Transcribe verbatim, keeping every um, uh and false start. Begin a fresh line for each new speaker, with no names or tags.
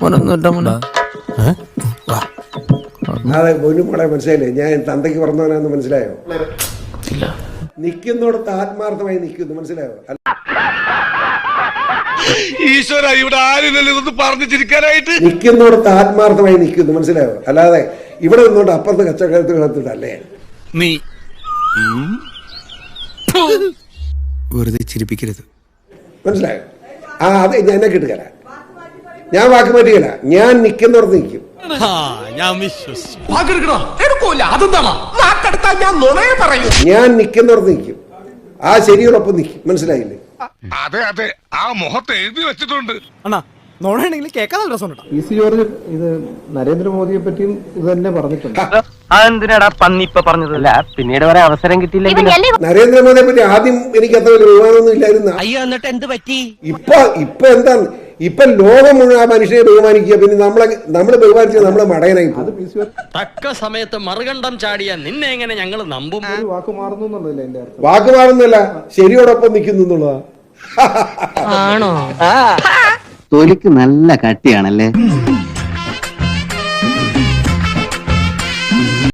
അതെ പൊന്നുമോളെ മനസ്സിലായില്ലേ? ഞാൻ തന്തയ്ക്ക് പറഞ്ഞവനാന്ന് മനസ്സിലായോ? നിൽക്കുന്നിടത്ത് ആത്മാർത്ഥമായി നിൽക്കുന്നു, മനസ്സിലായോ?
ഈശ്വര, ഇവിടെ ആരില്ലല്ലോ ഇതൊന്ന് പറഞ്ഞു ചിരിക്കാനായിട്ട്.
നിൽക്കുന്നിടത്ത് ആത്മാർത്ഥമായി നിൽക്കുന്നു, മനസ്സിലായോ? അല്ലാതെ ഇവിടെ നിന്നോണ്ട് അപ്പുറത്ത് കച്ചവടത്തിൽ നടത്തിട്ടല്ലേ.
നീ വെറുതെ ചിരിപ്പിക്കരുത്,
മനസ്സിലായോ? ആ അതെ, ഞാൻ എന്നെ കിട്ടുകല, ഞാൻ വാക്ക് പറ്റുകയില്ല. ഞാൻ നിൽക്കുന്നിടത്ത് നിൽക്കും. ഞാൻ നിൽക്കുന്നിടത്ത് നിൽക്കും, ആ ശരിയോടൊപ്പം നിൽക്കും, മനസ്സിലായില്ലേ?
അതെ അതെ, ആ മുഖത്ത് എഴുതി വെച്ചിട്ടുണ്ട്.
പി സി ജോർജ് ഇത് നരേന്ദ്രമോദിയെ പറ്റിയും ഇത് തന്നെ പറഞ്ഞിട്ടുണ്ട്.
അതെന്തിനാടാ പന്നി ഇപ്പൊ പറഞ്ഞതല്ല, പിന്നീട് വരെ അവസരം കിട്ടിയില്ലെങ്കിൽ.
നരേന്ദ്രമോദിയെ പറ്റി ആദ്യം എനിക്ക് അത്ര വലിയ ബഹുമാനമൊന്നും ഇല്ലായിരുന്നു.
അയ്യോ, എന്നിട്ട് എന്ത് പറ്റി?
ഇപ്പൊ ഇപ്പൊ എന്താണ്, ഇപ്പൊ ലോകം മുഴുവൻ ആ മനുഷ്യനെ ബഹുമാനിക്കുക. പിന്നെ നമ്മളെ നമ്മള് ബഹുമാനിച്ചത് നമ്മളെ മടയനായി.
അത് പി സി
തക്ക സമയത്ത് മറുകണ്ഠം ചാടിയ നിന്നെ എങ്ങനെ ഞങ്ങൾ നമ്പും?
വാക്ക് മാറുന്നു എന്നുള്ളതല്ലേ എന്റെ അർത്ഥം.
വാക്ക് മാറുന്നില്ല, ശരിയോടൊപ്പം നിൽക്കുന്നു എന്നുള്ളതാ.
ആണോ?
തൊലിക്ക് നല്ല കട്ടിയാണല്ലേ.